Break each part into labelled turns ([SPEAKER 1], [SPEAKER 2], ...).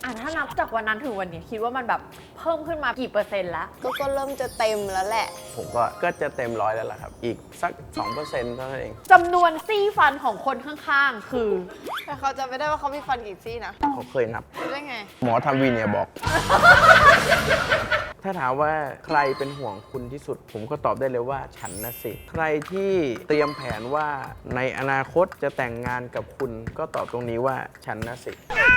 [SPEAKER 1] ถ้านับจากวันนั้นถึงวันนี้คิดว่ามันแบบเพิ่มขึ้นมากี่เปอร์เซ็นต์แล้ว
[SPEAKER 2] ก็เริ่มจะเต็มแล้วแหละ
[SPEAKER 3] ผมก็จะเต็มร้อยแล้วล่ะครับอีกสัก 2%เท่านั้นเอง
[SPEAKER 1] จำนวนซี่ฟันของคนข้างๆคือ
[SPEAKER 2] แต่เขาจะไม่ได้ว่าเขามีฟันกี่ซี่นะ
[SPEAKER 3] เขาเคยนับ
[SPEAKER 2] ได้ไง
[SPEAKER 3] หมอทำวีเนียบอก ถ้าถามว่าใครเป็นห่วงคุณที่สุดผมก็ตอบได้เลยว่าฉันนะสิใครที่เตรียมแผนว่าในอนาคตจะแต่งงานกับคุณก็ตอบตรงนี้ว่าฉันนะสิ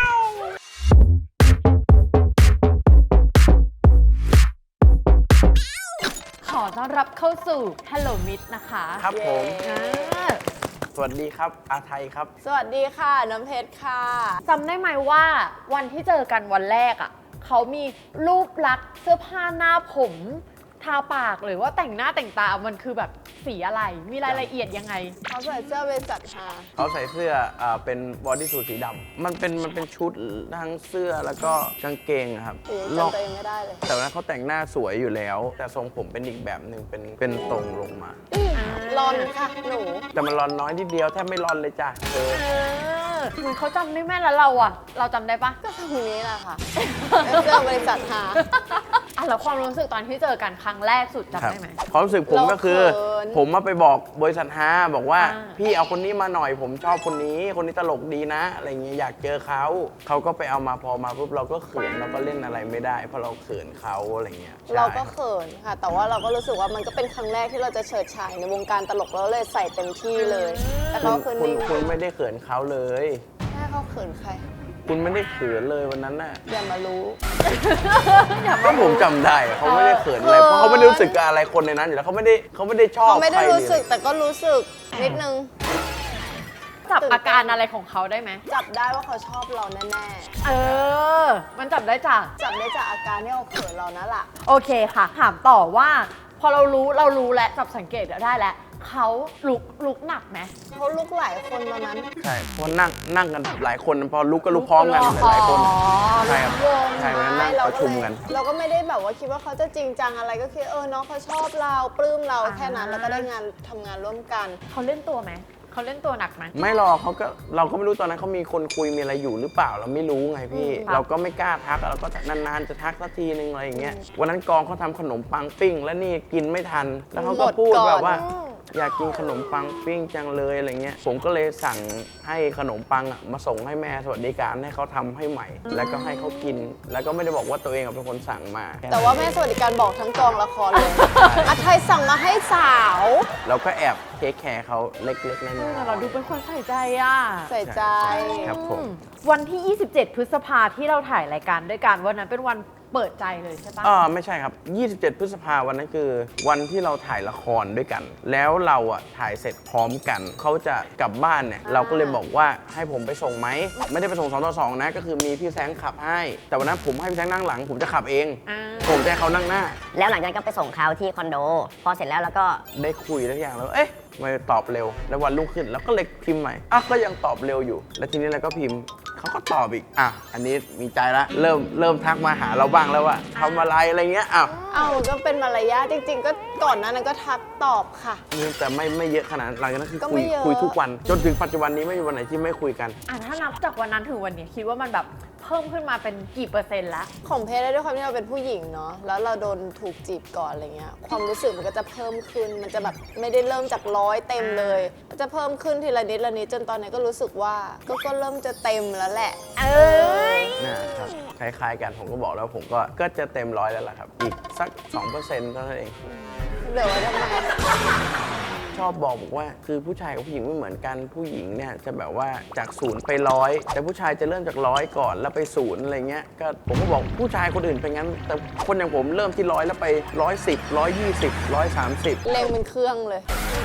[SPEAKER 1] ขอต้อนรับเข้าสู่ Hello Miss นะคะ
[SPEAKER 3] ครับผมสวัสดีครับอาไทยครับ
[SPEAKER 2] สวัสดีค่ะน้ำเพชรค่ะ
[SPEAKER 1] จำได้ไหมว่าวันที่เจอกันวันแรกเขามีรูปลักษณ์เสื้อผ้าหน้าผมทาปากหรือว่าแต่งหน้าแต่งตามันคือแบบสีอะไรมีรายละเอียดยังไง
[SPEAKER 2] เขาใส่เสื้อบริษัทฮา
[SPEAKER 3] เขาใส่เสื้อเป็นบอดี้สูทสีดำมันเป็นชุดทั้งเสื้อแล้วก็กางเกงครับ
[SPEAKER 2] จำตัวเองไม่ได้เลย
[SPEAKER 3] แต่ว่าเขาแต่งหน้าสวยอยู่แล้วแต่ทรงผมเป็นอีกแบบหนึ่งเป็นตรงลงมา
[SPEAKER 2] ร้อนค่ะหนู
[SPEAKER 3] แต่มันร้อนน้อยนิดเดียวแทบไม่ร้อนเลยจ้ะ
[SPEAKER 1] เหมือนเขาจำได้แม่แล้วเราจำได้ปะ
[SPEAKER 2] ก็ทำนี้แหละค่ะเสื้อบริษัทฮา
[SPEAKER 1] แล้วความรู้สึกตอนที่เจอกันครั้งแรกสุดจำได้ไหม
[SPEAKER 3] ความรู้สึกผมก็คือผมมาไปบอกบริษัทฮาบอกว่าพี่เอาคนนี้มาหน่อยผมชอบคนนี้ตลกดีนะอะไรเงี้ยอยากเจอเขาก็ไปเอามาพอมาปุ๊บเราก็เขินเราก็เล่นอะไรไม่ได้เพราะเราเขินเขาอะไรเงี้ย
[SPEAKER 2] เราก็เขินค่ะแต่ว่าเราก็รู้สึกว่ามันก็เป็นครั้งแรกที่เราจะเฉิดฉายในวงการตลกแล้วเลยใส่เต็มที่เลยแต่เขาคือนิ่ง
[SPEAKER 3] คุณไม่ได้เขินเขาเลย
[SPEAKER 2] แม่เขาเขินใคร
[SPEAKER 3] คุณไม่ได้เขินเลยวันนั้นน่ะ
[SPEAKER 2] อย่ามารู้
[SPEAKER 3] ก็ผมจำได้เขาไม่ได้เขินอะไรเพราะเขาไม่ได้รู้สึกกับอะไรคนในนั้นอยู่แล้วเขาไม่ได้ชอบ
[SPEAKER 2] เขาไม่ได้รู้สึกแต่ก็รู้สึกนิดนึง
[SPEAKER 1] จับอาการอะไรของเขาได้ไหม
[SPEAKER 2] จับได้ว่าเขาชอบเราแน่
[SPEAKER 1] มันจับได้จาก
[SPEAKER 2] อาการที่เขาเขินเรานั่นแหละ
[SPEAKER 1] โอเคค่ะถามต่อว่าพอเรารู้แล้วจับสังเกตได้แล้วเขาลุกหนักไหม
[SPEAKER 2] เขาลุกหลายคนตอนนั้น
[SPEAKER 3] ใช่เพราะนั่งกันหลายคนพอลุกก็ลุกพร้อมกันหลายคนใช่ครับใช่นั่งประชุมกัน
[SPEAKER 2] เราก็ไม่ได้แบบว่าคิดว่าเขาจะจริงจังอะไรก็คิดน้องเขาชอบเราปลื้มเราแค่นั้นแล้วก็ได้ทำงานร่วมกัน
[SPEAKER 1] เขาเล่นตัวไหมเขาเล่นตัวหนักไหม
[SPEAKER 3] ไม่หรอกเราก็ไม่รู้ตอนนั้นเขามีคนคุยมีอะไรอยู่หรือเปล่าเราไม่รู้ไงพี่เราก็ไม่กล้าทักเราก็นานๆจะทักสักทีนึงอะไรอย่างเงี้ยวันนั้นกองเขาทำขนมปังปิ้งแล้วนี่กินไม่ทันแล้วเขาก็พูดแบบว่าอยากกินขนมปังปิ้งจังเลยอะไรเงี้ยผมก็เลยสั่งให้ขนมปังมาส่งให้แม่สวัสดิการให้เขาทำให้ใหม่แล้วก็ให้เขากินแล้วก็ไม่ได้บอกว่าตัวเองเป็นคนสั่งมา
[SPEAKER 2] แต่ว่าแม่สวัสดิการบอกทั้งกองละครเลยอาไทยสั่งมาให้สาว
[SPEAKER 3] เราก็แอบเทคแคร์เขาเล็กๆน้อย
[SPEAKER 1] ๆเราดูเป็นคนใส่ใจ
[SPEAKER 2] ใส่ใจ
[SPEAKER 3] ครับผม
[SPEAKER 1] วันที่ 27 พฤษภาที่เราถ่ายรายการด้วยกันวันนั้นเป็นวันเปิดใจเลยใช่ปะ
[SPEAKER 3] ไม่ใช่ครับ27 พฤษภาวันนั้นคือวันที่เราถ่ายละครด้วยกันแล้วเราถ่ายเสร็จพร้อมกันเขาจะกลับบ้านเนี่ยเราก็เลยบอกว่าให้ผมไปส่งไหมไม่ได้ไปส่ง2-2นะก็คือมีพี่แซงขับให้แต่วันนั้นผมให้พี่แซงนั่งหลังผมจะขับเองผมจะให้เขานั่งหน้า
[SPEAKER 4] แล้วหลังจากนั้นก็ไปส่งเขาที่คอนโดพอเสร็จแล้วก็
[SPEAKER 3] ได้คุยทุกอย่างแล้วไม่ตอบเร็วแล้ววันรุ่งขึ้นแล้วก็เลยพิมพ์ใหม่ก็ยังตอบเร็วอยู่แล้วทีนี้เราก็พิมพ์เขาก็ตอบอีกอันนี้มีใจละเริ่มทักมาหาเราบ้างแล้วว่าทำอะไรเงี้ย
[SPEAKER 2] มันก็เป็นมารยาทจริงๆก็ก่อนหน้านั้นก็ทักตอบค่ะ
[SPEAKER 3] แต่ไม่เยอะขนาดหลังจากนั้นคือคุยทุกวันจนถึงปัจจุบันนี้ไม่มีวันไหนที่ไม่คุยกัน
[SPEAKER 1] ถ้านับจากวันนั้นถึงวันนี้คิดว่ามันแบบเพิ่มขึ้นมาเป็นกี่เปอร์เซ็นต์แล้ว
[SPEAKER 2] ของเพชรได้ด้วยความที่เราเป็นผู้หญิงเนาะแล้วเราโดนถูกจีบก่อนอะไรเงี้ยความรู้สึกมันก็จะเพิ่มขึ้นมันจะแบบไม่ได้เริ่มจาก100เต็มเลยมันจะเพิ่มขึ้นทีละนิดจนตอนนี้ก็รู้สึกว่าก็เริ่มจะเต็มแล้วแหละ
[SPEAKER 3] นะครับคล้ายๆกันผมก็บอกแล้วผมก็จะเต็ม100แล้วล่ะครับอีกสัก 2% เท่านั้นเอง
[SPEAKER 2] เหลือไว้ทำไม
[SPEAKER 3] ชอบบอกว่าคือผู้ชายกับผู้หญิงไม่เหมือนกันผู้หญิงเนี่ยจะแบบว่าจาก0ไป100แต่ผู้ชายจะเริ่มจาก100ก่อนแล้วไป0อะไรเงี้ยก็ผมก็บอกผู้ชายคนอื่นเป็นงั้นแต่คนอย่างผมเริ่มที่100แล้วไป110 120 130
[SPEAKER 2] เร่งเป็นเครื่องเลย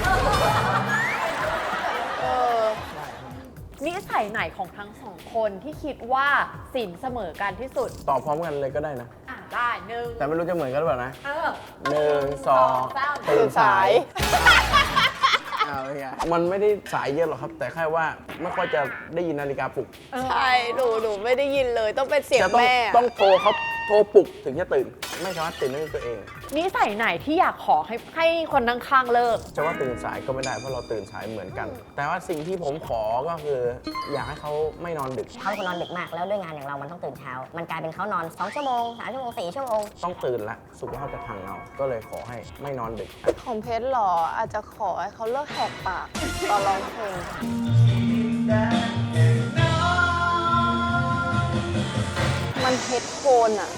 [SPEAKER 1] นิสัยไหนของทั้งสองคนที่คิดว่าสินเสมอกันที่สุด
[SPEAKER 3] ตอบพร้อมกันเลยก็ได้นะ
[SPEAKER 1] ได้1
[SPEAKER 3] แต่ไม่รู้จะเหมือนกันหรือเปล่านะ1 2
[SPEAKER 2] ตื่นสาย
[SPEAKER 3] มันไม่ได้สายเยอะหรอกครับแต่แค่ว่าไม่ค่อยจะได้ยินนาฬิกาปลุก
[SPEAKER 2] ใช่หนูไม่ได้ยินเลยต้องเป็นเสียงแม่
[SPEAKER 3] ต้องโทรเขาโทรปลุกถึงจะตื่นไม่สามารถตื่นได้ด้วยตัวเอง
[SPEAKER 1] นิสัยไหนที่อยากขอให้คนข้างๆเลิก
[SPEAKER 3] จะว่าตื่นสายก็ไม่ได้เพราะเราตื่นสายเหมือนกัน แต่ว่าสิ่งที่ผมขอก็คือ อยากให้เขาไม่นอนดึก
[SPEAKER 4] เขาเป็นคนนอนดึกมากแล้วด้วยงานอย่างเรามันต้องตื่นเช้า มันกลายเป็นเขานอน2 ชั่วโมง 3 ชั่วโมง 4 ชั่วโมง
[SPEAKER 3] ต้องตื่นละสุขภาพจะพังเอาก็เลยขอให้ไม่นอนดึก
[SPEAKER 2] ของเพชรเหรออาจจะขอให้เขาเลิกแหกปากตอนร้องเพลงมันเฮดโฟนอ่ะ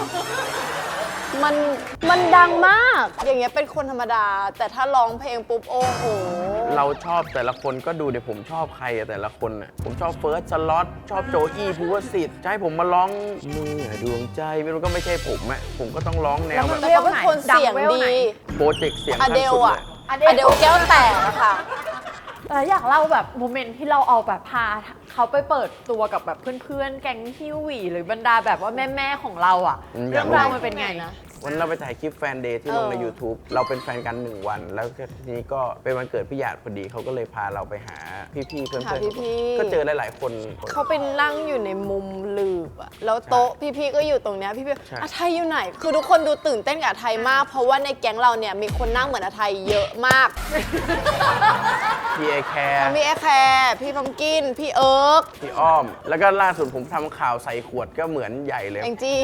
[SPEAKER 2] มันดังมาก อย่างเงี้ยเป็นคนธรรมดา แต่ถ้าร้องเพลงปุ๊บโอ้โห
[SPEAKER 3] เราชอบแต่ละคนก็ดูเดี๋ยวผมชอบใครอะแต่ละคนอะผมชอบเฟิร์สสล็อตชอบโจอี้ภูวสิทธิ์จะให้ผมมาร้องเมื่อดวงใจมันก็ไม่ใช่ผมอะผมก็ต้องร้องแนวแบบ
[SPEAKER 2] แต่เขาเป็นคนเสียงดี
[SPEAKER 3] โปรเจกต์เสียง
[SPEAKER 2] อ
[SPEAKER 3] ขั้น
[SPEAKER 2] เดล
[SPEAKER 3] สุดเล
[SPEAKER 2] อะ
[SPEAKER 3] ย
[SPEAKER 2] อเดลแก้วแตกอะค่ะ
[SPEAKER 1] แต่อยากเล่าแบบโมเมนต์ที่เราเอาแบบพาเขาไปเปิดตัวกับแบบเพื่อนๆ แก๊งฮิวหวีหรือบรรดาแบบว่าแม่ๆของเราอ่ะ เรื่องราวมันเป็นไงนะ
[SPEAKER 3] วันเราไปถ่ายคลิปแฟนเดย์ที่ลงใน YouTube เราเป็นแฟนกัน 1 วัน แล้วทีนี้ก็เป็นวันเกิดพี่หยาดพอดีเขาก็เลยพาเราไปหาพี่ๆเพื่อน
[SPEAKER 2] หาพี่ๆ
[SPEAKER 3] ก็เจอหลายๆคน
[SPEAKER 2] เขาไปนั่งอยู่ในมุมลืบอะแล้วโต๊ะพี่ๆก็อยู่ตรงเนี้ยพี่
[SPEAKER 3] ใช่
[SPEAKER 2] ๆอาไทยอยู่ไหน คือทุกคนดูตื่นเต้นกับอาไทยมาก เพราะว่าในแก๊งเราเนี่ยมีคนนั่งเหมือนอาไทยเยอะมาก
[SPEAKER 3] พี่เอแคร์
[SPEAKER 2] มีแอร์แคร์พี่พัมกิน พี่เอิร์ก
[SPEAKER 3] พี่อ้อม แล้วก็ล่าสุดผมทำข่าวใส่ขวดก็เหมือนใหญ่เลย
[SPEAKER 2] แองจี้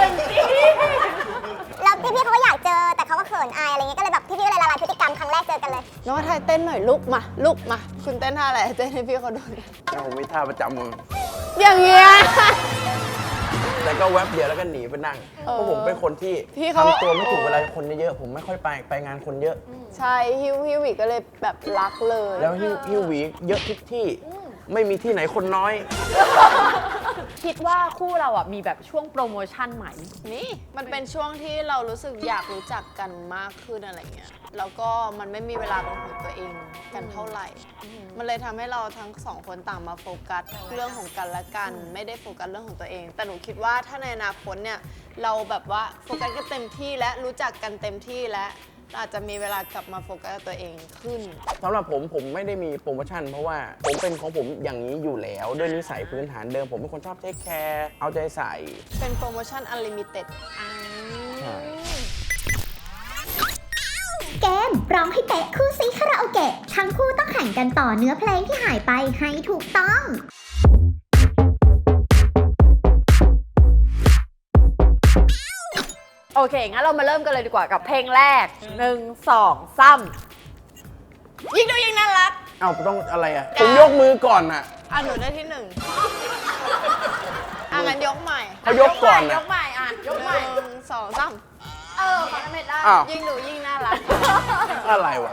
[SPEAKER 5] แล้วพี่ๆเขาก็อยากเจอแต่เขาก็เขินอายอะไรเงี้ยก็เลยแบบพี่ๆก็เลยละลายพฤติกรรมครั้งแรกเจอกันเลย
[SPEAKER 2] น้องอาไทยเต้นหน่อยลุกมาลุกมา คุณเต้นท่าอะไรเต้นให้พี่เขาดูหน่อย
[SPEAKER 3] แล้วผมมีท่าประจำมือ
[SPEAKER 2] อย่างเงี้ย
[SPEAKER 3] แต่ก็แวบเดียวแล้วก็หนีไปนั่ง เพราะผมเป็นคนที่
[SPEAKER 2] พี่เขา
[SPEAKER 3] ทำตัวไม่ถูกเวลาคนเยอะๆผมไม่ค่อยไปงานคนเยอะ
[SPEAKER 2] ใช่ฮิววิก็เลยแบบรักเลย
[SPEAKER 3] แล้วฮิวหวีเยอะทุกที่ ไม่มีที่ไหนคนน้อย
[SPEAKER 1] คิดว่าคู่เราอ่ะมีแบบช่วงโปรโมชั่นไหม
[SPEAKER 2] นี่มันเป็นช่วงที่เรารู้สึกอยากรู้จักกันมากขึ้นอะไรเงี้ย แล้วก็มันไม่มีเวลาเป็นของตัวเองกันเท่าไหร่ มันเลยทำให้เราทั้งสองคนต่างมาโฟกัสเรื่องของกันและกัน ไม่ได้โฟกัสเรื่องของตัวเอง แต่หนูคิดว่าถ้าในอนาคตเนี่ยเราแบบว่าโฟกัสกันเต็มที่และรู้จักกันเต็มที่และเราอาจจะมีเวลากลับมาโฟกัสกับตัวเองขึ้น
[SPEAKER 3] สำหรับผมไม่ได้มีโปรโมชั่น เพราะว่าผมเป็นของผมอย่างนี้อยู่แล้ว ด้วยนิสัยพื้นฐานเดิม ผมเป็นคนชอบเทคแคร์เอาใจใส่
[SPEAKER 2] เป็นโปรโมชั่น Unlimited
[SPEAKER 3] ใช่
[SPEAKER 5] เกมร้องให้เป๊ะคู่ซีคาราโอเกะทั้งคู่ต้องแข่งกันต่อเนื้อเพลงที่หายไปให้ถูกต้อง
[SPEAKER 1] โอเค งั้นเรามาเริ่มกันเลยดีกว่ากับเพลงแรก 1 2 3
[SPEAKER 2] ยิ่งดูยิ่งน่ารัก
[SPEAKER 3] เอ้าต้องอะไรอ่ะ ผมยกมือก่อนอ่ะ
[SPEAKER 2] หนูได้ที่หนึ่งงั้นยกใหม่
[SPEAKER 3] เขายกก่อน
[SPEAKER 1] ย
[SPEAKER 3] อ่ะ
[SPEAKER 1] กใหม่อ่ะยกใหม่
[SPEAKER 2] 1 2 3
[SPEAKER 1] ของน้ำเม็ดได้
[SPEAKER 3] อ้าว
[SPEAKER 2] ยิ่งดูยิ่งน่ารัก
[SPEAKER 3] อะไรวะ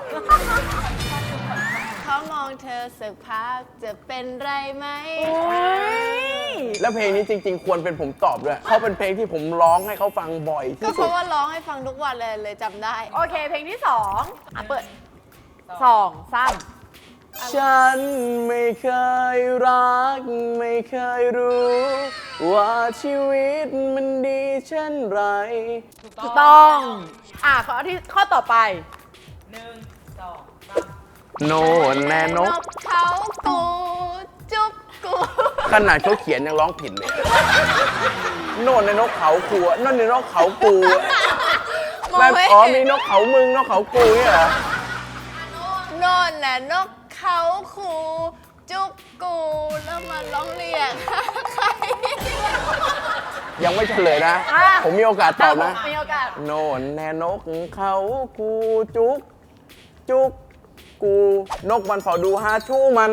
[SPEAKER 2] เขามองเธอสักพักจะเป็นไรไหม
[SPEAKER 3] แล้วเพลงนี้จริง ๆ ควรเป็นผมตอบด้วยเขาเป็นเพลงที่ผมร้องให้เขาฟังบ่อย
[SPEAKER 2] ก็
[SPEAKER 3] ที่
[SPEAKER 2] เพ
[SPEAKER 3] สุด
[SPEAKER 2] ราะว่าร้องให้ฟังทุกวันเลยจำได้
[SPEAKER 1] โอเค เพลงที่2เปิด2 3
[SPEAKER 3] ฉันไม่เคยรัก ไม่เคยรู้ ว่าชีวิตมันดีเช่นไร
[SPEAKER 1] ถูกต้องข้อต่อไป
[SPEAKER 3] โน่นแน่นก
[SPEAKER 2] เขากูจุ๊บกู
[SPEAKER 3] ขนาดเขาเขียนยังร้องผิดเลย โน่นในนกเขาคูโน่นในนกเขากู
[SPEAKER 2] มอง
[SPEAKER 3] แบบ
[SPEAKER 2] ไม่
[SPEAKER 3] อ๋อ
[SPEAKER 2] เห็
[SPEAKER 3] มี
[SPEAKER 2] น
[SPEAKER 3] นกเขามึงนกเขากูเนี่ยเหรอ
[SPEAKER 2] โน่นน่ะนกเขาคูจุ๊บกูแล้วมาร้องเรียกใคร
[SPEAKER 3] ยังไม่เฉลยนะ
[SPEAKER 1] อ่ะ
[SPEAKER 3] ผมมีโอกาสตอบนะ
[SPEAKER 1] มีโอกาส
[SPEAKER 3] โน่นแน่นกเขากูจุกจุกกูนกมันเฝ้าดูหาชู้มัน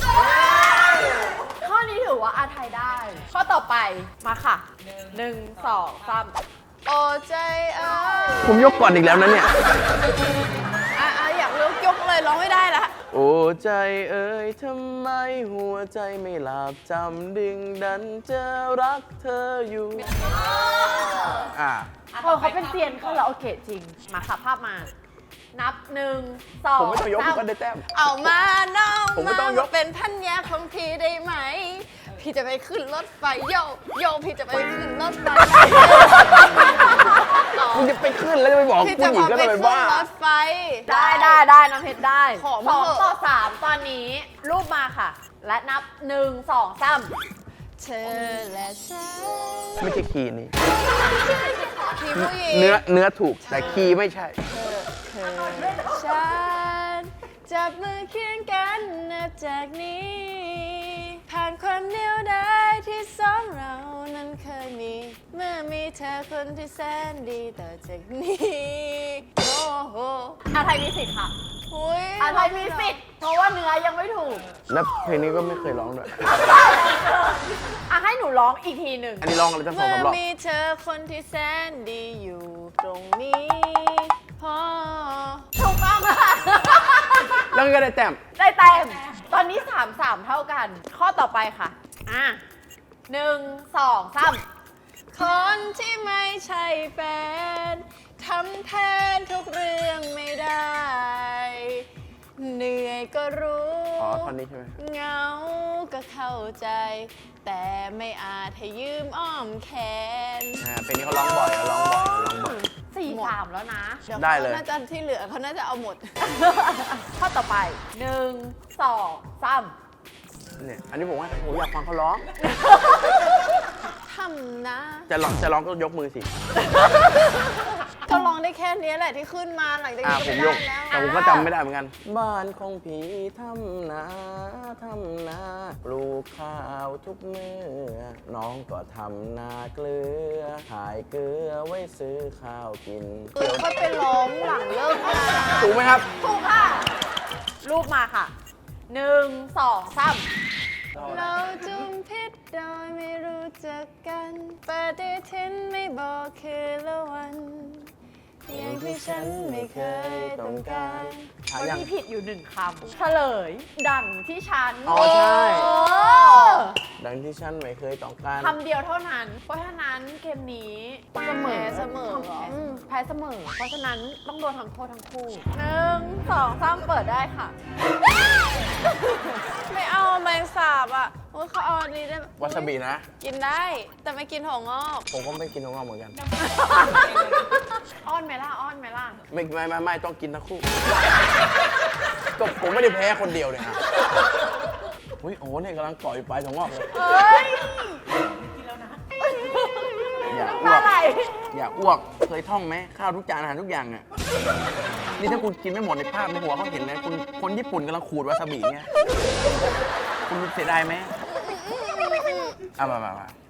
[SPEAKER 1] ข้อนี้ถือว่าอาไทยได้ ข้อต่อไปมาค่ะ 1 2 3
[SPEAKER 2] โอ้ใจเอ้ย
[SPEAKER 3] ผมยกก่อนอีกแล้วนะเนี่ย
[SPEAKER 2] อยากยกเลยร้องไม่ได้ละ
[SPEAKER 3] โอ้ใจเอ่ยทำไมหัวใจไม่หลับจำดึงดันจะรักเธออยู่อ่ะ
[SPEAKER 1] เขาเป็นเซียนคาราโอเกะจริง มาค่ะภาพมา นับ 1 2
[SPEAKER 3] ผมไม่ต้องยกผมก็ได้แต้ม
[SPEAKER 2] เอามาน้อง
[SPEAKER 3] ผมไม่ต้องยก
[SPEAKER 2] เป็นพันยาของพี่ได้ไหม พี่จะไปขึ้นรถไฟโยพี่จะไปขึ้นรถไฟ
[SPEAKER 3] คุณจะไปขึ้นแล้วจะไปบอก
[SPEAKER 2] พี่
[SPEAKER 3] ผู้
[SPEAKER 2] จะ
[SPEAKER 3] หญิง
[SPEAKER 2] พา
[SPEAKER 3] ก็
[SPEAKER 2] ไป
[SPEAKER 3] เลย
[SPEAKER 2] ขึ้น
[SPEAKER 3] บ้าร
[SPEAKER 2] ถไฟ
[SPEAKER 1] ได้น้ำเพชรได้
[SPEAKER 2] ขอมาเถอะ
[SPEAKER 1] 2 ต่อ 3 ตอนนี้รูปมาค่ะ และนับ 1 2 3
[SPEAKER 2] เธอและฉัน
[SPEAKER 3] ไม่ใช่คีย์นี้
[SPEAKER 2] คีย์ผู้หญิง
[SPEAKER 3] เนื้อถูกแต่คีย์ไม่ใช่
[SPEAKER 2] เธอฉันจับมือเคียงกันนับจากนี้ ผ่านความเดียวดายที่สองเรานั้นเคยมี เมื่อมีเธอคนที่แสนดีต่อจากนี้ โอ้โห
[SPEAKER 1] อาไทยมีสิทธิ์ค่ะ
[SPEAKER 2] อุ๊ย
[SPEAKER 1] อาไทยมีสิทธิ์เพราะว่าเนื้อยังไม่ถูก
[SPEAKER 3] แล้วเพลงนี้ก็ไม่เคยร้องด้วย
[SPEAKER 1] อ่ะให้หนูร้องอีกทีหนึ่ง
[SPEAKER 3] อันนี้ร้องอะไรตั้งสอง
[SPEAKER 2] เมื่อ
[SPEAKER 3] สามรอบ
[SPEAKER 2] มีเธอคนที่แสนดีอยู่ตรงนี้พอ
[SPEAKER 1] ถูกต้องค่ะ
[SPEAKER 3] แล้วก็ได้แต้ม
[SPEAKER 1] ได้เต็มตอนนี้ 3-3 เท่ากัน ข้อต่อไปค่ะ อ่ะ1 2 3
[SPEAKER 2] คนที่ไม่ใช่แฟนทำแทนทุกเรื่องไม่ได้ เหนื่อยก็รู้
[SPEAKER 3] อ๋อท่อนนี้ใช่ไหม
[SPEAKER 2] เหงาก็เข้าใจ แต่ไม่อาจให้ยืมอ้อมแขน
[SPEAKER 3] เพลงนี้เขาร้องบ่อยเขาร้องบ่อยเขาร้องบ่อย
[SPEAKER 1] 4-3 แล้วนะ
[SPEAKER 2] เดี๋ยว
[SPEAKER 3] ได้
[SPEAKER 2] เขา
[SPEAKER 3] เลย
[SPEAKER 2] น่าจะที่เหลือเขาน่าจะเอาหมด
[SPEAKER 1] ข้อต่อไป 1 2 3
[SPEAKER 3] เนี่ยอันนี้ผมว่าผมอยากฟังเขาร้อง
[SPEAKER 2] ทำนะ
[SPEAKER 3] จะร้องก็ยกมือสิ
[SPEAKER 2] ก็ร้องได้แค่นี้แหละที่ขึ้นมาหลังจากนี้ก็
[SPEAKER 3] ผม
[SPEAKER 2] ไม่
[SPEAKER 3] ย
[SPEAKER 2] ได้
[SPEAKER 3] ก
[SPEAKER 2] แล้ว
[SPEAKER 3] แต่ผมก็จำไม่ได้เหมือนกัน บ้านของผีทำนาปลูกข้าวทุกมื้อน้องก็ทำนาเกลือขายเกลือไว้ซื้อข้าวกิน
[SPEAKER 2] คือค่อยไปร้องหลังเลิกงาน
[SPEAKER 3] ถูกไหมครับ
[SPEAKER 1] ถูกค่ะ รูปมาค่ะ 1 2 3
[SPEAKER 2] เราจุมพิษโดยไม่รู้จักกันปฏิทินไม่บอกคืนละวันอย่างที่ฉันไม่เคยต้องการ
[SPEAKER 3] หา
[SPEAKER 1] วัน
[SPEAKER 3] ยัง
[SPEAKER 1] นี้ผิดอยู่1 คำเฉลย ดังที่ฉัน
[SPEAKER 3] อ๋อใช่
[SPEAKER 1] เออ
[SPEAKER 3] ดังที่ฉันไม่เคยต้องการ
[SPEAKER 1] คำเดียวเท่านั้น เพราะฉะนั้นเกมนี้เสมอ
[SPEAKER 2] เสมอเหรอ
[SPEAKER 1] แพ้เสมอ เพราะฉะนั้นต้องโดนทำโทษทั้งคู่ 1 2 3 เปิดได้ค่ะ
[SPEAKER 2] ไม่เอาแมงสาบอ่ะโอ้ยเขาเอาอันนี้ได้
[SPEAKER 3] วาซาบินะ
[SPEAKER 2] กินได้ แต่ไม่กินถั่วงอก
[SPEAKER 3] ผมก็ไม่กินของเราเหมือนกัน
[SPEAKER 1] อ้อนไหมล่ะ อ้อนไหมล่ะ
[SPEAKER 3] ไม่ต้องกินทั้งคู่ ก็ผมไม่ได้แพ้คนเดียวเนี่ยฮะอุ้ยโอ้เนี่ยกำลังก่อยไปสองรอบเลย
[SPEAKER 1] เฮ้ย
[SPEAKER 3] อยากอ้
[SPEAKER 1] น้ำ
[SPEAKER 3] ว
[SPEAKER 1] ตาก ไหล
[SPEAKER 3] อยากอ้วก เคยท่องไหมข้าวทุกจานอาหารทุกอย่างเนี่ยนี่ถ้าคุณกินไม่หมดในภาพในหัวเขาเห็นเลยคุณคนญี่ปุ่นกำลังขูดวาซาบิเนี่ยคุณเสียดายไหมเอามา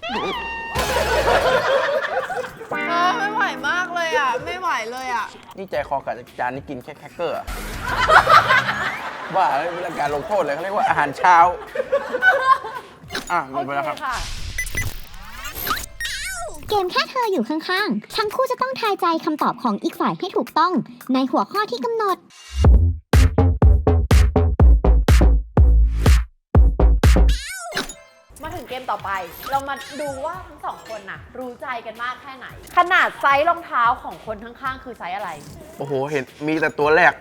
[SPEAKER 2] ไม่ไหวมากเลยอ่ะ ไม่ไหวเลยอ่ะ
[SPEAKER 3] นี่ใจคอกับจานนี้กินแค่แครกเกอร์อะว่าเวลาการลงโทษเลยเขาเรียกว่าอาหารเช้าหม
[SPEAKER 1] โอ
[SPEAKER 3] ดไป
[SPEAKER 1] เค
[SPEAKER 3] แล้วครับ
[SPEAKER 1] ค่ะ
[SPEAKER 5] เกมแค่เธออยู่ข้างๆ ทั้งคู่จะต้องทายใจคำตอบของอีกฝ่ายให้ถูกต้อง ในหัวข้อที่กำหนด
[SPEAKER 1] มาถึงเกมต่อไป เรามาดูว่าทั้งสองคนน่ะ รู้ใจกันมากแค่ไหน ขนาดไซส์รองเท้าของคนข้างๆ คือไซส์อะไร
[SPEAKER 3] โอ้โห เห็นมีแต่ตัวแรก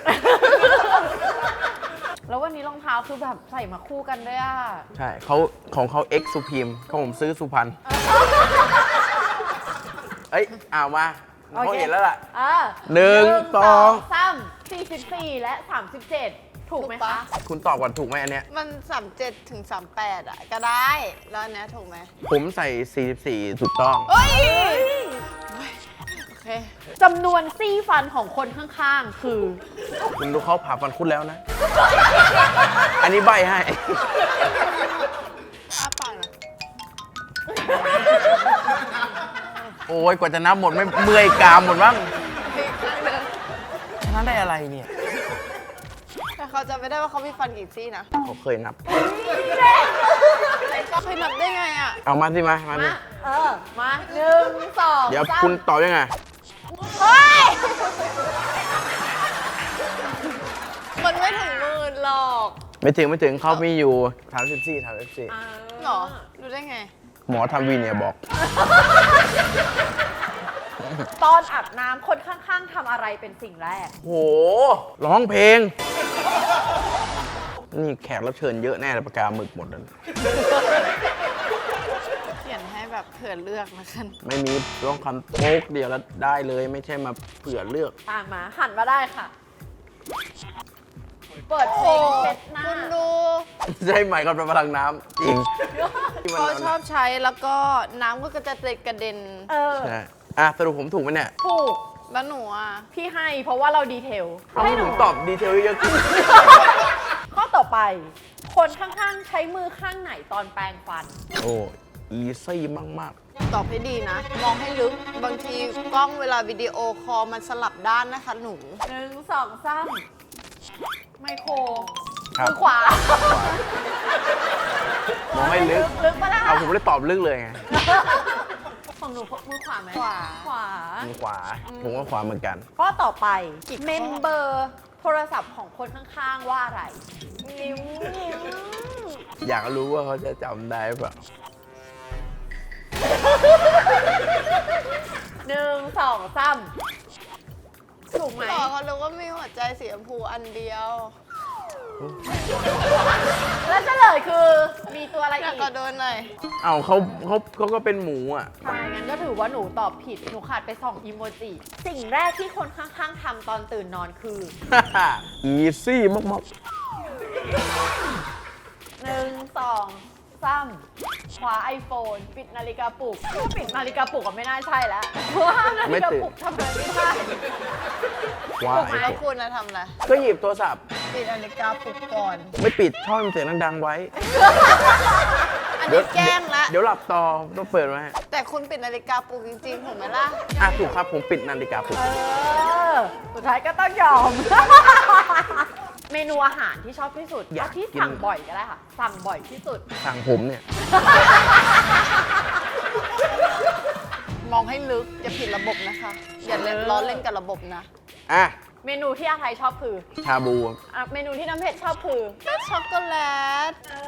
[SPEAKER 1] แล้ววันนี้รองเท้าคือแบบใส่มาคู่กันด้วยอ่ะ
[SPEAKER 3] ใช่เขาของเขา X สุพีมของผมซื้อสุพรรณเอ้ยมา
[SPEAKER 1] โอเค
[SPEAKER 3] เขาเห็นแล้วล่ะ
[SPEAKER 1] หนึ่ง
[SPEAKER 3] 1 2
[SPEAKER 1] 3 44 และ 37 ถูกไหม
[SPEAKER 2] ถูกปะ
[SPEAKER 1] คะ
[SPEAKER 3] คุณตอบก่อนถูกไหมอันเนี้ย
[SPEAKER 2] มัน 37 ถึง 38 อ่ะ ก็ได้ แล้วอันเนี้ยถูกไหม
[SPEAKER 3] ผมใส่ 44 ถูกต้อง
[SPEAKER 2] เฮ้ย โอเค
[SPEAKER 1] จำนวนซี่ฟันของคนข้างๆ คือ
[SPEAKER 3] คุณดูเขาผ่าฟันคุณแล้วนะ อันนี้ใบให้
[SPEAKER 2] อ้าปากหนะ
[SPEAKER 3] โอ้ยกว่าจะนับหมดไม่เมื่อยกรามหมดบ้างชนะได้อะไรเนี่ย
[SPEAKER 2] แต่เขาจะไม่ได้ว่าเขามีฟันกี่ซี่นะ
[SPEAKER 3] เขาเคยนับ
[SPEAKER 2] ก็เคยนับได้ไงอ่ะ
[SPEAKER 3] เอามาสิมาดิ
[SPEAKER 1] มามา1 2
[SPEAKER 3] เดี๋ยวคุณตอบยังไง
[SPEAKER 1] เฮ้ย
[SPEAKER 2] มันไม่ถึงหมื่นหรอก
[SPEAKER 3] ไม่ถึงเขามีอยู่34
[SPEAKER 2] หรอ รู้ได้ไง
[SPEAKER 3] หมอทำวีเนี่ยบอก
[SPEAKER 1] ตอนอาบน้ำคนข้างๆทำอะไรเป็นสิ่งแรก
[SPEAKER 3] โห ร้องเพลง นี่แขกรับเชิญเยอะแน่เลยปากกาหมึกหมดแล้ว
[SPEAKER 2] เขียนให้แบบเผื่อเลือกนะคัน
[SPEAKER 3] ไม่มีร้องคำโป๊กเดียวแล้วได้เลยไม่ใช่มาเผื่อเลือก
[SPEAKER 1] มาหันมาได้ค่ะ เปิดเพลงเช็ดหน้า
[SPEAKER 2] คุณดู
[SPEAKER 3] ใช่ไหมครับเป็นพลังน้ำจริงที่มัน
[SPEAKER 2] เขาชอบใช้แล้วก็น้ำก็จะกระเด็น
[SPEAKER 1] เออ
[SPEAKER 3] ใช่สรุปผมถูกไหมเนี่ย
[SPEAKER 1] ถูก
[SPEAKER 2] แล้วหนูอ่ะ
[SPEAKER 1] พี่ให้เพราะว่าเราดีเทล
[SPEAKER 3] เอาให้ผมตอบดีเทลเยอะขึ้น
[SPEAKER 1] ข้อต่อไป คนข้างๆใช้มือข้างไหนตอนแปรงฟัน
[SPEAKER 3] โอ้อีซี่มาก
[SPEAKER 2] ตอบให้ดีนะ มองให้ลึก บางทีกล้องเวลาวิดีโอคอลมันสลับด้านนะคะหนู
[SPEAKER 1] 1 2 3ไมโคร
[SPEAKER 3] ๆ ครับ
[SPEAKER 1] มือขวา
[SPEAKER 3] มองให้ลึก
[SPEAKER 1] ลึกปะล่ะ
[SPEAKER 3] เอาผมเลยตอบลึกเลยไง
[SPEAKER 1] ของหนูมือขวาไหม
[SPEAKER 2] ขวา
[SPEAKER 1] ขวา
[SPEAKER 3] มือขวา ผมก็ขวาเหมือนกัน
[SPEAKER 1] ข้อต่อไป
[SPEAKER 2] กี่ข้อ
[SPEAKER 1] เมมเบอร์โทรศัพท์ของคนข้างๆว่าอะไร นิ้ว
[SPEAKER 3] อยากรู้ว่าเขาจะจำได้เปล่า
[SPEAKER 1] 1 2 3ถูกไหม
[SPEAKER 2] ต่อเขารู้ว่ามีหัวใจสีชมพูอันเดียว
[SPEAKER 1] แล้วเฉลยคือมีตัวอะไร
[SPEAKER 2] อยา
[SPEAKER 1] อี
[SPEAKER 2] ก
[SPEAKER 1] ก
[SPEAKER 2] กระโดนหน่อย
[SPEAKER 3] เอาเขาก็เป็นหมูอ่ะ
[SPEAKER 1] ใช่งั้นก็ถือว่าหนูตอบผิด หนูขาดไป2อีโมจิ สิ่งแรกที่คนข้างๆทำตอนตื่นนอนคือ
[SPEAKER 3] อีซี่มาก
[SPEAKER 1] 1 2 3 ขวา iPhone ปิดนาฬิกาปลุกปิดนาฬิกาปลุกก็ไม่น่าใช่แล้วเพราะว่านาฬิกาปลุกทำอะไรไม่ได้
[SPEAKER 3] ๆว้า
[SPEAKER 1] ถูกไหม
[SPEAKER 3] ย
[SPEAKER 2] แล้วคุณนะทำอะไร
[SPEAKER 3] ก็หยิบโทรศัพท์
[SPEAKER 2] ปิดนาฬิกาปลุกก่อน
[SPEAKER 3] ไม่ปิดช่องเสียงดังๆไว้
[SPEAKER 2] อันนี้แกล้งละ
[SPEAKER 3] เดี๋ยวหลับต่อต้องเปิดไว้
[SPEAKER 2] แต่คุณปิดนาฬิกาปลุกจริงๆถูกไหมล่ะ
[SPEAKER 3] ถูกครับผมปิดนาฬิกาปลุก
[SPEAKER 1] สุดท้ายก็ต้องยอม เมนูอาหารที่ชอบที่สุด
[SPEAKER 3] อยาก
[SPEAKER 1] เอาที่
[SPEAKER 3] กิน
[SPEAKER 1] สั่งบ่อยก็ได้ค่ะ สั่งบ่อยที่สุด
[SPEAKER 3] สั่งผมเนี่ย
[SPEAKER 2] มองให้ลึก อย่าผิดระบบนะคะ อย่าเล่นล้อเล่นกับระบบนะ
[SPEAKER 3] อ่ะ
[SPEAKER 1] เมนูที่อาไทยชอบคือ
[SPEAKER 3] ชาบู
[SPEAKER 1] เมนูที่น้ำเพชรชอบคือ
[SPEAKER 2] ช็อกโกแลต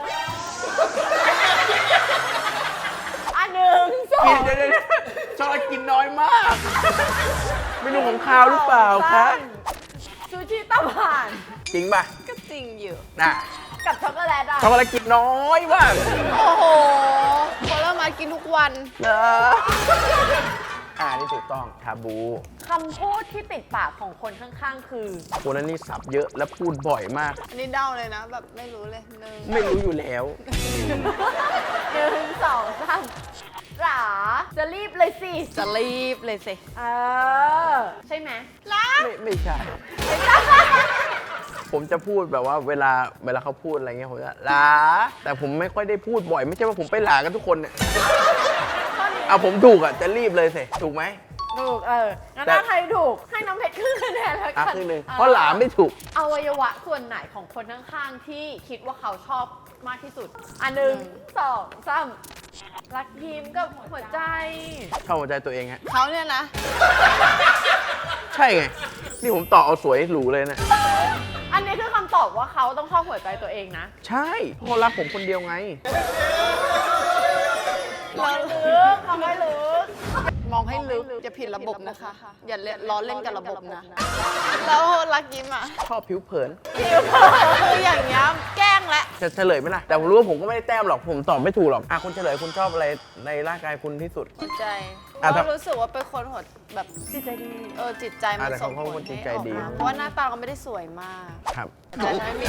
[SPEAKER 1] หนึ่งสอ
[SPEAKER 3] กิน
[SPEAKER 1] ง
[SPEAKER 3] เดี๋ยวชอบกินน้อยมาก ไม่รู้ของข้าวหรือเปล่าคะ
[SPEAKER 1] ซูชิตะผ่าน
[SPEAKER 3] จริงป่ะ
[SPEAKER 2] ก็จริงอยู่
[SPEAKER 3] น่ะ
[SPEAKER 1] กับช็อกโกแลตอ่ะ
[SPEAKER 3] ช็อกโกแลตกินน้อยมาก
[SPEAKER 2] โอ้โหผลไม้กินทุกวัน
[SPEAKER 3] เหรอนี่ถูกต้องชาบู
[SPEAKER 1] คำพูดที่ติดปากของคนข้างๆ คือ
[SPEAKER 3] คนนั้นนี่สับเยอะและพูดบ่อยมาก
[SPEAKER 2] อันนี้เดาเลยนะ แบบไม่รู้เลยหนึ่ง
[SPEAKER 3] ไม่รู้อยู่แล้ว
[SPEAKER 1] 1 2 3หราจะรีบเลยสิ
[SPEAKER 2] จะรีบเลยสิ
[SPEAKER 1] ใช่ไหม
[SPEAKER 3] ไม่ใช่ ผมจะพูดแบบว่าเวลาเขาพูดอะไรเงี้ยผมจะหลาแต่ผมไม่ค่อยได้พูดบ่อย ไม่ใช่ว่าผมไปหลากันทุกคนเนี่ยเอาผมถูกอ่ะจะรีบเลยสิถูกไหม
[SPEAKER 1] ถูกงั้น
[SPEAKER 3] แต่
[SPEAKER 1] ถ้าใครถูก ให้น้ำเพชรครึ่งคะแนนแล้วกัน
[SPEAKER 3] ครึ่งหนึ่งเพราะหลาไม่ถูก
[SPEAKER 1] อวัยวะส่วนไหนของคนข้างๆ ที่คิดว่าเขาชอบมากที่สุด 1 2 3รักยิ้มกับหัวใจ
[SPEAKER 3] ชอบหัวใจตัวเองฮะ
[SPEAKER 2] เขาเนี่ยนะ
[SPEAKER 3] ใช่ไง นี่ผมต่อเอาสวยหรูเลยนะ
[SPEAKER 1] อันนี้คือคำตอบว่าเขาต้องชอบหัวใจตัวเองนะ
[SPEAKER 3] ใช่เพราะเขารักผมคนเดียวไง
[SPEAKER 1] เราลึกเอาไว้ลึก
[SPEAKER 2] มองให้ลึก อย่าผิดระบบนะคะ อย่าเล่นล้อเล่นกับระบบนะ แล้วรักยิ้มอ่ะ
[SPEAKER 3] ชอบผิวเผิน
[SPEAKER 2] คืออย่างเงี้ยแกล้งและ
[SPEAKER 3] จะเฉลยไหมล่ะ แต่ผมรู้ว่าผมก็ไม่ได้แต้มหรอก ผมตอบไม่ถูกหรอกคุณเฉลยคุณชอบอะไรในร่างกายคุณที่สุด
[SPEAKER 2] หัวใจ
[SPEAKER 3] อ่ะ
[SPEAKER 2] ก็รู้สึกว่าเป็นคนหัวแบบ
[SPEAKER 1] จิตใจดี
[SPEAKER 2] จิตใจมัน
[SPEAKER 3] แต่
[SPEAKER 2] ส่ง
[SPEAKER 3] เขา
[SPEAKER 2] ผ
[SPEAKER 3] เป็นค
[SPEAKER 2] ล
[SPEAKER 3] นจิต
[SPEAKER 2] ให้
[SPEAKER 3] ใจ
[SPEAKER 2] ออก
[SPEAKER 3] ดี
[SPEAKER 2] มาเพราะว่าหน้าตาเขาไม่ได้สวยมาก
[SPEAKER 3] ครับ
[SPEAKER 2] แต่ฉันไม่มี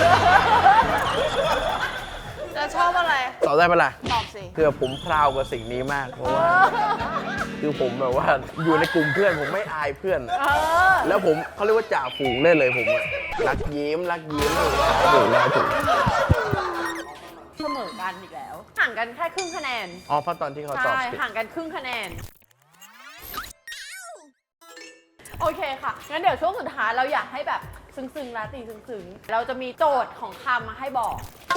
[SPEAKER 2] จะชอบอะไร
[SPEAKER 3] ตอบได้ปะล่ะ
[SPEAKER 2] ตอบสิ
[SPEAKER 3] คือผมพราวกับสิ่งนี้มาก เพราะว่า คือผมแบบว่าอยู่ในกลุ่มเพื่อนผมไม่อายเพื่อน แล้วผมเขาเรียกว่าจ่าฝูงได้เลยผมอะรักยิ้มถูกแล้วถูก
[SPEAKER 1] เสมอกันอีกแล้ว ห่างกันแค่ครึ่งคะแนน
[SPEAKER 3] อ๋อเพราะตอนที่เขาตอบ
[SPEAKER 1] ใช่
[SPEAKER 3] ผิด
[SPEAKER 1] ห่างกันครึ่งคะแนน โอเคค่ะ งั้นเดี๋ยวช่วงสุดท้ายเราอยากให้แบบซึ้งๆราตรีซึ้งๆ เราจะมีโจทย์ของคำมาให้บอก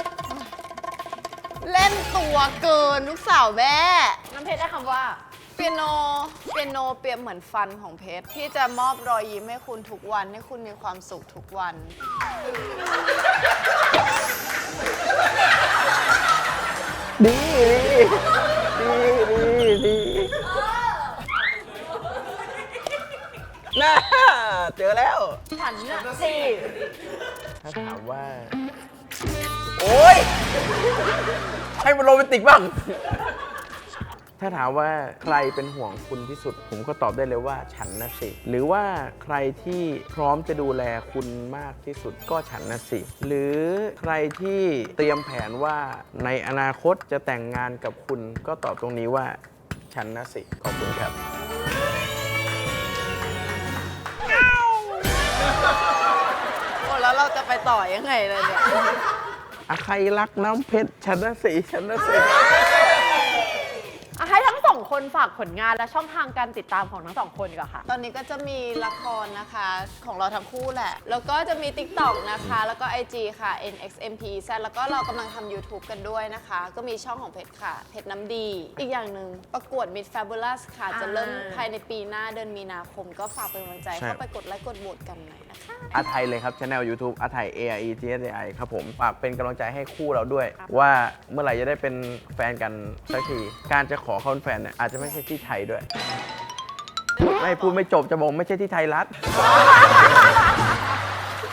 [SPEAKER 2] เล่นตัวเกินลูกสาวแม่
[SPEAKER 1] น้ำเพชรได้คำว่า
[SPEAKER 2] เปียโนเปรียบเหมือนฟันของเพชรที่จะมอบรอยยิ้มให้คุณทุกวัน ให้คุณมีความสุขทุกวัน
[SPEAKER 3] ดีน่าเจอแล้ว
[SPEAKER 1] ฉันน่ะสิ
[SPEAKER 3] ถ้าถามว่า โอ๊ย ให้มันโรแมนติกบ้าง ถ้าถามว่าใครเป็นห่วงคุณที่สุด ผมก็ตอบได้เลยว่าฉันนะสิ หรือว่าใครที่พร้อมจะดูแลคุณมากที่สุดก็ฉันนะสิ หรือใครที่เตรียมแผนว่าในอนาคตจะแต่งงานกับคุณก็ตอบตรงนี้ว่าฉันนะสิ ขอบคุณครับ
[SPEAKER 2] โอ้แล้วเราจะไปต่อยังไงเลยเนี่ย
[SPEAKER 3] ใครรักน้ำเพชรฉันนะสิฉันนะสิ
[SPEAKER 1] ให้ทั้งสองคนฝากผลงานและช่องทางการติดตามของทั้งสองคนดีกว่าค่ะ
[SPEAKER 2] ตอนนี้ก็จะมีละครนะคะของเราทั้งคู่แหละ แล้วก็จะมี TikTok นะคะ แล้วก็ IG ค่ะ NXMPZ แล้วก็เรากำลังทำ YouTube กันด้วยนะคะ ก็มีช่องของเพชรค่ะ เพชรน้ำดี อีกอย่างหนึ่งประกวด Miss Fabulous ค่ะ จะเริ่มภายในปีหน้าเดือนมีนาคม ก็ฝากเป็นกำลังใจ
[SPEAKER 3] ใช่
[SPEAKER 2] เข้าไปกดไลค์กดโหวตกันหน่อยนะคะ
[SPEAKER 3] อาไทยเลยครับช anel YouTube อาไทย ARETSI ครับผมฝากเป็นกำลังใจให้คู่เราด้วย ว่าเมื่อไหร่จะได้เป็นแฟนกันสักที การจะขอเขาเป็นแฟนเนี่ยอาจจะไม่ใช่ที่ไทยด้วย ไม่พูดไม่จบจะบอกไม่ใช่ที่ไทยรัฐ